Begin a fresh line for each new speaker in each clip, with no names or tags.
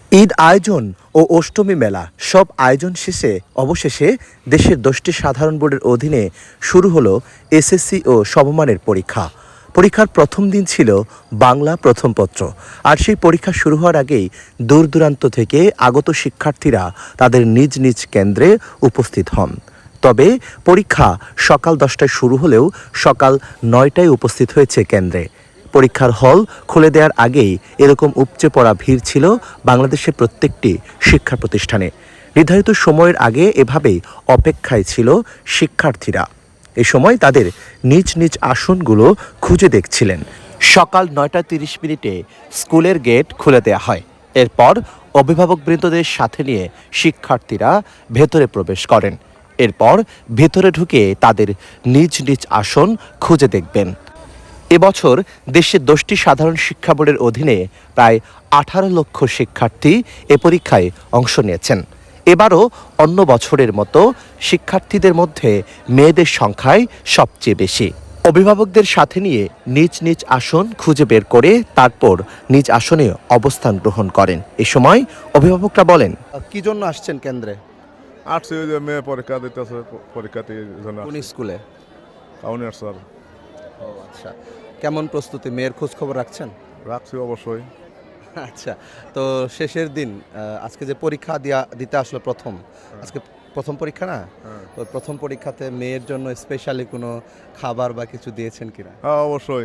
ঈদ আয়োজন ও অষ্টমী মেলা সব আয়োজন শেষে অবশেষে দেশের 10টি সাধারণ বোর্ডের অধীনে শুরু হলো এসএসসি ও সমমানের পরীক্ষা। পরীক্ষার প্রথম দিন ছিল বাংলা প্রথম পত্র, আর সেই পরীক্ষা শুরু হওয়ার আগেই দূর দূরান্ত থেকে আগত শিক্ষার্থীরা তাদের নিজ নিজ কেন্দ্রে উপস্থিত হন। তবে পরীক্ষা সকাল 10টায় শুরু হলেও সকাল 9টায় উপস্থিত হয়েছে কেন্দ্রে। পরীক্ষার হল খুলে দেওয়ার আগেই এরকম উপচে পড়া ভিড় ছিল বাংলাদেশের প্রত্যেকটি শিক্ষা প্রতিষ্ঠানে। নির্ধারিত সময়ের আগে এভাবেই অপেক্ষায় ছিল শিক্ষার্থীরা। এ সময় তাদের নিজ নিজ আসনগুলো খুঁজে দেখছিলেন। সকাল 9টা 30 মিনিটে স্কুলের গেট খুলে দেওয়া হয়। এরপর অভিভাবকবৃন্দদের সাথে নিয়ে শিক্ষার্থীরা ভেতরে প্রবেশ করেন। এরপর ভেতরে ঢুকে তাদের নিজ নিজ আসন খুঁজে দেখবেন। এবছর দেশের 10টি সাধারণ শিক্ষা বোর্ডের অধীনে প্রায় 18 লক্ষ শিক্ষার্থী এ পরীক্ষায় অংশ নিয়েছেন। এবারও অন্য বছরের মতো শিক্ষার্থীদের মধ্যে মেয়েদের সংখ্যাই সবচেয়ে বেশি। অভিভাবকদের সাথে নিয়ে নিজ নিজ আসন খুঁজে বের করে তারপর নিজ আসনে অবস্থান গ্রহণ করেন। এ সময় অভিভাবকরা বলেন,
কি জন্য আসছেন কেন্দ্রে?
আসছে ওই যে মেয়ে পরীক্ষা দিতেছে, পরীক্ষাতে জন্য
কোন স্কুলে?
কাউনিয়ার স্যার।
ও আচ্ছা, কেমন প্রস্তুতি? মেয়ের খোঁজ খবর রাখছেন?
রাখছি অবশ্যই।
আচ্ছা, তো শেষের দিন আজকে যে পরীক্ষা দিতে আসলো প্রথম, আজকে প্রথম পরীক্ষা না? তো প্রথম পরীক্ষাতে মেয়ের জন্য স্পেশালি কোনো খাবার বা কিছু দিয়েছেন কিনা?
হ্যাঁ অবশ্যই,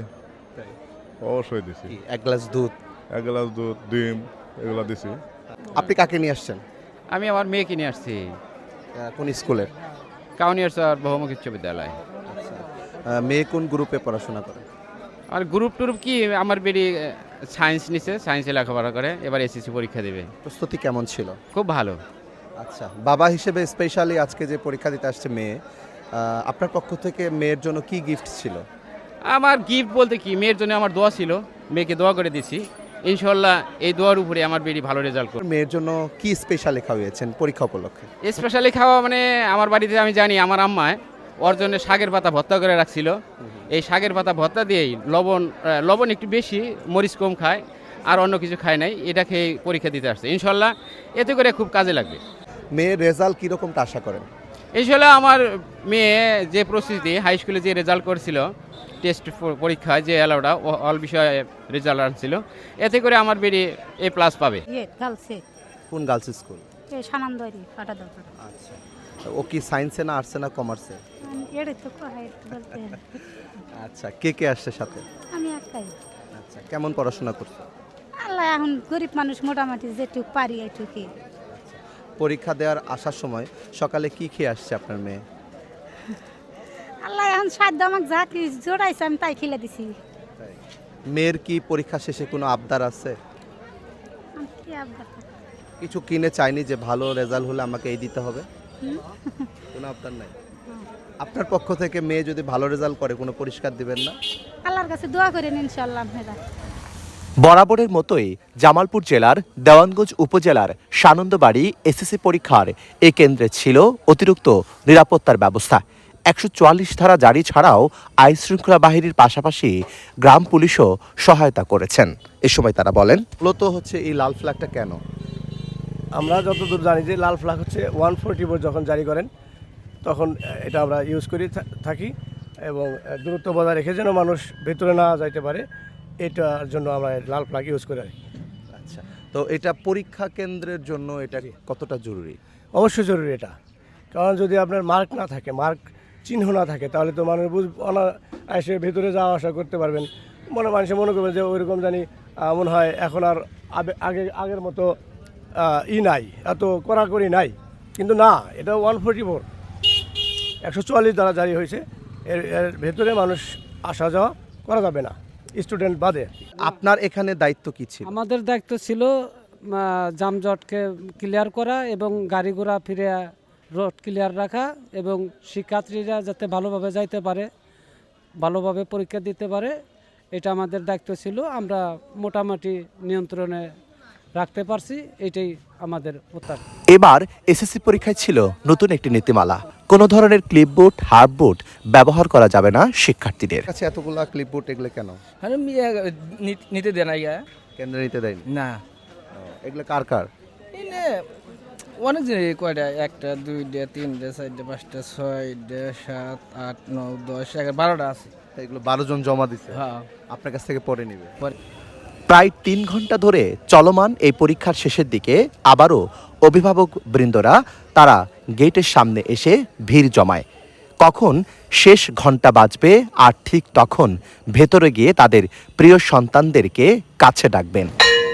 অবশ্যই দিছি।
এক গ্লাস দুধ?
এক গ্লাস দুধ, ডিম এগুলো দিছি।
আপনি কাকে নিয়ে আসছেন?
আমি আমার মেয়েকে নিয়ে আসছি
কোন স্কুলের?
কাউনিয়ার স্যার বহুমুখী উচ্চ বিদ্যালয়।
মেয়ে কোন গ্রুপে পড়াশোনা করে?
আর গ্রুপ টুরুপ কি, আমার বেরি সায়েন্স নিছে, সায়েন্সে লেখাপড়া করে, এবার এসএসসি পরীক্ষা দেবে।
প্রস্তুতি কেমন ছিল?
খুব ভালো।
আচ্ছা, বাবা হিসেবে স্পেশালি আজকে যে পরীক্ষা দিতে আসছে মেয়ে, আপনার পক্ষ থেকে মেয়ের জন্য কি গিফট ছিল?
আমার গিফট বলতে কি, মেয়ের জন্য আমার দোয়া ছিল, মেয়েকে দোয়া করে দিছি। ইনশাল্লাহ এই দোয়ার উপরে আমার বেরি ভালো রেজাল্ট করবে।
মেয়ের জন্য কি স্পেশালি খাওয়িয়েছেন পরীক্ষা উপলক্ষে?
স্পেশালি খাওয়া মানে আমার বাড়িতে আমি জানি আমার আম্মায় ওর জন্য শাকের পাতা ভর্তা করে রাখছিল। এই শাকের পাতা ভর্তা দিয়েই লবণ একটু বেশি, মরিচ কম খায়, আর অন্য কিছু খায় নাই। এটা খেয়ে পরীক্ষা দিতে আসছে। ইনশাল্লাহ এতে করে খুব কাজে লাগবে।
মেয়ের রেজাল্ট কীরকমটা আশা করেন?
ইনশাল্লাহ আমার মেয়ে যে প্রস্তুতি হাই স্কুলে যে রেজাল্ট করেছিল, টেস্ট পরীক্ষায় যে অ্যালাউডা অল বিষয়ে রেজাল্ট আনছিল, এতে করে আমার বেরি A+ পাবে।
গার্লসে
কোন গার্লস স্কুল?
সানন্দরি পাটা দাও।
আচ্ছা, ও কি সায়েন্সে না আর্টসে না কমার্সে?
এড়ে তো কোথায় বলতে
আচ্ছা, কে কে আসছে সাথে?
আমি একাই।
আচ্ছা, কেমন পড়াশোনা করছো?
আল্লাহ, এখন গরিব মানুষ মোটামুটি যেটুকু পারি এইটুকুই।
পরীক্ষা দেওয়ার আসার সময় সকালে কি খেয়ে আসছে আপনার মেয়ে?
আল্লাহ, এখন সাধ্য আমাকে যা কি জোড়াইছে আমি তাই খেলে দিছি।
মেয়ের কি পরীক্ষা শেষে কোনো আবদার আছে?
আমি কি আবদার করব?
কিছু কিনে চাইনি যে ভালো রেজাল্ট হলে আমাকে এই দিতে হবে? কোনো আবদার নাই? আপনার পক্ষ থেকে মেয়ে যদি ভালো রেজাল্ট করে কোনো পুরস্কার দিবেন না?
আল্লাহর কাছে দোয়া করেন ইনশাআল্লাহ আপনারা।
বরাবরের মতোই জামালপুর জেলার দেওয়ানগঞ্জ উপজেলার সানন্দবাড়ি এসএসসি পরীক্ষার এ কেন্দ্রে ছিল অতিরিক্ত নিরাপত্তার ব্যবস্থা। 144 ধারা জারি ছাড়াও আইন শৃঙ্খলা বাহিনীর পাশাপাশি গ্রাম পুলিশও সহায়তা করেছেন। এ সময় তারা বলেন,
মূলত হচ্ছে এই লাল ফ্ল্যাগটা কেন?
আমরা যতদূর জানি যে লাল ফ্ল্যাগ হচ্ছে 144 যখন জারি করেন তখন এটা আমরা ইউজ করি থাকি, এবং দূরত্ব বজায় রেখে যেন মানুষ ভেতরে না যাইতে পারে, এটার জন্য আমরা লাল ফ্ল্যাগ ইউজ করি আর কি।
আচ্ছা, তো এটা পরীক্ষা কেন্দ্রের জন্য এটা কতটা জরুরি?
অবশ্যই জরুরি এটা, কারণ যদি আপনার মার্ক না থাকে, মার্ক চিহ্ন না থাকে, তাহলে তো মানুষ এসে ভেতরে যাওয়া আসা করতে পারবেন। মানুষে মনে করবে যে ওইরকম জানি মনে হয় এখন আর আগের মতো নাই, এত কড়াকড়ি নাই, কিন্তু না, এটা 144 দ্বারা জারি হয়েছে। এর ভেতরে মানুষ আসা যাওয়া করা যাবে না, স্টুডেন্ট বাদে।
আপনার এখানে দায়িত্ব কি ছিল?
আমাদের দায়িত্ব ছিল যানজটকে ক্লিয়ার করা এবং গাড়ি ঘোড়া ফিরে রোড ক্লিয়ার রাখা, এবং শিক্ষার্থীরা যাতে ভালোভাবে যাইতে পারে, ভালোভাবে পরীক্ষা দিতে পারে, এটা আমাদের দায়িত্ব ছিল। আমরা মোটামুটি নিয়ন্ত্রণে রাখতে পারছি, এটাই আমাদের উত্তর।
এবার এসএসসি পরীক্ষায় ছিল নতুন একটি নীতিমালা। কোনো ধরনের ক্লিপবোর্ড, হার্ডবোর্ড ব্যবহার করা যাবে না শিক্ষার্থীদের।
কাছে এতগুলা ক্লিপবোর্ড এগুলো কেন
নিতে দেয় না,
কেন্দ্রে নিতে দেয়নি?
না।
এগুলো কার কার?
এনে অনেক জিনিস কয়টা 1টা 2টা 3টা 4টা 5টা 6টা 7 8 9 10 11 12টা আছে।
এগুলো 12 জন জমা দিছে,
হ্যাঁ
আপনার কাছ থেকে পরে নিবে।
প্রায় 3 ঘন্টা ধরে চলমান এই পরীক্ষার শেষের দিকে আবারও অভিভাবক বৃন্দরা তারা গেটের সামনে এসে ভিড় জমায়। কখন শেষ ঘন্টা বাজবে আর ঠিক তখন ভেতরে গিয়ে তাদের প্রিয় সন্তানদেরকে কাছে ডাকবেন।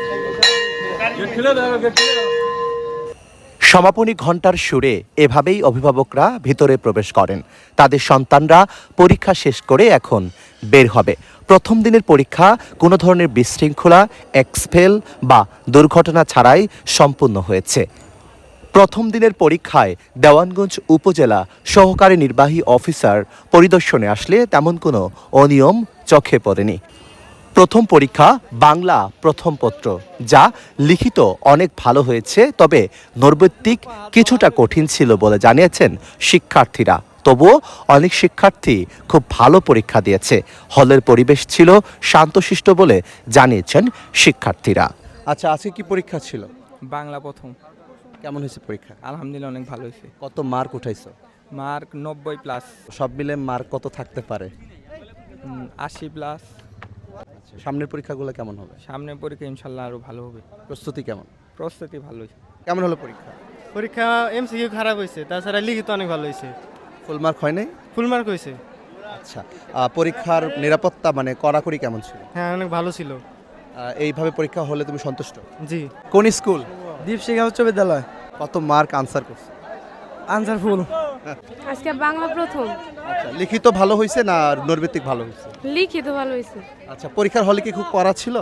সমাপনী ঘণ্টার সুরে এভাবেই অভিভাবকরা ভিতরে প্রবেশ করেন। তাদের সন্তানরা পরীক্ষা শেষ করে এখন বের হবে। প্রথম দিনের পরীক্ষা কোনো ধরনের বিশৃঙ্খলা, এক্সপেল বা দুর্ঘটনা ছাড়াই সম্পূর্ণ হয়েছে। প্রথম দিনের পরীক্ষায় দেওয়ানগঞ্জ উপজেলা সহকারী নির্বাহী অফিসার পরিদর্শনে আসলে তেমন কোনো অনিয়ম চোখে পড়েনি। প্রথম পরীক্ষা বাংলা প্রথম পত্র, যা লিখিত অনেক ভালো হয়েছে, তবে নৈর্ব্যক্তিক কিছুটা কঠিন ছিল বলে জানিয়েছেন শিক্ষার্থীরা। তবুও অনেক শিক্ষার্থী খুব ভালো পরীক্ষা দিয়েছে। হলের পরিবেশ ছিল শান্তশিষ্ট বলে জানিয়েছেন শিক্ষার্থীরা।
আচ্ছা, আজকে কি পরীক্ষা ছিল?
বাংলা প্রথম।
কেমন হয়েছে পরীক্ষা?
আলহামদুলিল্লাহ অনেক ভালো হয়েছে।
কত মার্ক উঠাইছো?
মার্ক 90+।
সব মিলে মার্ক কত থাকতে পারে?
80+।
সামনের পরীক্ষাগুলো কেমন হবে?
সামনের পরীক্ষা ইনশাল্লাহ আরো ভালো হবে।
প্রস্তুতি কেমন?
প্রস্তুতি ভালো হয়েছে।
কেমন হলো পরীক্ষা?
পরীক্ষা এমসিকিউ খারাপ হয়েছে, তাছাড়া লিখিত অনেক ভালো হয়েছে।
ফুল মার্ক হয় নাই?
ফুল মার্ক হয়েছে।
আচ্ছা, পরীক্ষার নিরাপত্তা মানে কড়াকড়ি কেমন ছিল?
হ্যাঁ, অনেক ভালো ছিল।
এইভাবে পরীক্ষা হলে তুমি সন্তুষ্ট?
জি।
কোন স্কুল?
দীপশিখা উচ্চ বিদ্যালয়।
কত মার্ক আনসার করছো?
Answer full.
আজকে বাংলা প্রথম।
আচ্ছা, লিখিত ভালো হয়েছে না নৈর্ব্যক্তিক ভালো হয়েছে?
লিখিত ভালো হয়েছে।
আচ্ছা, পরীক্ষার হলে কি খুব কড়া ছিল?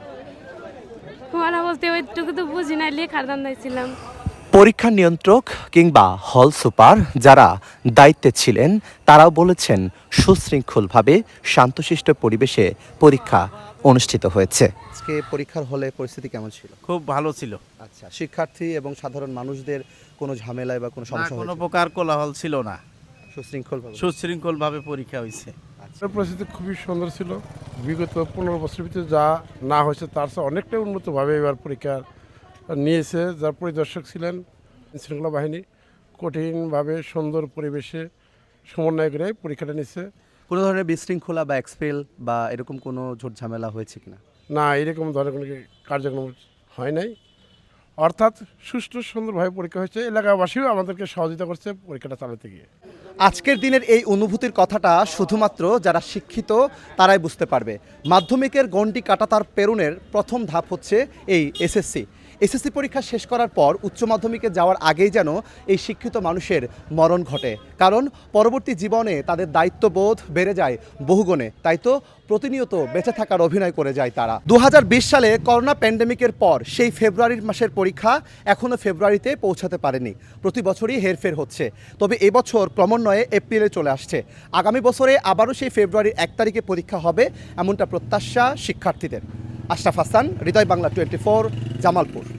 পড়া বলতে ওইটুকু তো বুঝি না, লেখার ধান্দায় ছিলাম।
পরীক্ষা নিয়ন্ত্রক কিংবা হল সুপার যারা দায়িত্বে ছিলেন তারাও বলেছেন সুশৃঙ্খলভাবে শান্তশিষ্ট পরিবেশে পরীক্ষা অনুষ্ঠিত হয়েছে।
আজকে পরীক্ষার হলে পরিস্থিতি কেমন ছিল?
খুব ভালো ছিল।
আচ্ছা, শিক্ষার্থী এবং সাধারণ মানুষদের কোনো ঝামেলায় বা কোনো সমস্যা
কোনো
হয়েছে?
প্রকার কোলাহল ছিল না,
সুশৃঙ্খলভাবে।
সুশৃঙ্খলভাবে পরীক্ষা হয়েছে।
পরিস্থিতি খুবই সুন্দর ছিল। বিগত 15 বছরের ভিতরে যা না হয়েছে তার চেয়ে অনেকটাই উন্নতভাবে এবার পরীক্ষা নিয়েছে। যার পরিদর্শক ছিলেন শৃঙ্খলা বাহিনী, কঠিনভাবে সুন্দর পরিবেশে সমন্বয় করে পরীক্ষাটা নিচ্ছে।
কোনো ধরনের বিশৃঙ্খলা বা এক্সপেল বা এরকম কোনো ঝোট ঝামেলা হয়েছে কিনা?
না, এরকম ধরনের কোনো কার্যক্রম হয় নাই। অর্থাৎ সুষ্ঠু সুন্দরভাবে পরীক্ষা হয়েছে। এলাকাবাসীও আমাদেরকে সহযোগিতা করছে পরীক্ষাটা চালাতে গিয়ে।
আজকের দিনের এই অনুভূতির কথাটা শুধুমাত্র যারা শিক্ষিত তারাই বুঝতে পারবে। মাধ্যমিকের গণ্ডি কাটা তার পেরুনের প্রথম ধাপ হচ্ছে এই এসএসসি। এসএসসি পরীক্ষা শেষ করার পর উচ্চ মাধ্যমিকে যাওয়ার আগেই যেন এই শিক্ষিত মানুষের মরণ ঘটে, কারণ পরবর্তী জীবনে তাদের দায়িত্ববোধ বেড়ে যায় বহুগুণে। তাই তো প্রতিনিয়ত বেঁচে থাকার অভিনয় করে যায় তারা। 2020 সালে করোনা প্যান্ডেমিকের পর সেই ফেব্রুয়ারির মাসের পরীক্ষা এখনও ফেব্রুয়ারিতে পৌঁছাতে পারেনি। প্রতি বছরই হেরফের হচ্ছে, তবে এবছর ক্রমান্বয়ে এপ্রিলে চলে আসছে। আগামী বছরে আবারও সেই ফেব্রুয়ারির 1 তারিখে পরীক্ষা হবে এমনটা প্রত্যাশা শিক্ষার্থীদের। আশরাফ হাসান, হৃদয় বাংলা 24, জামালপুর।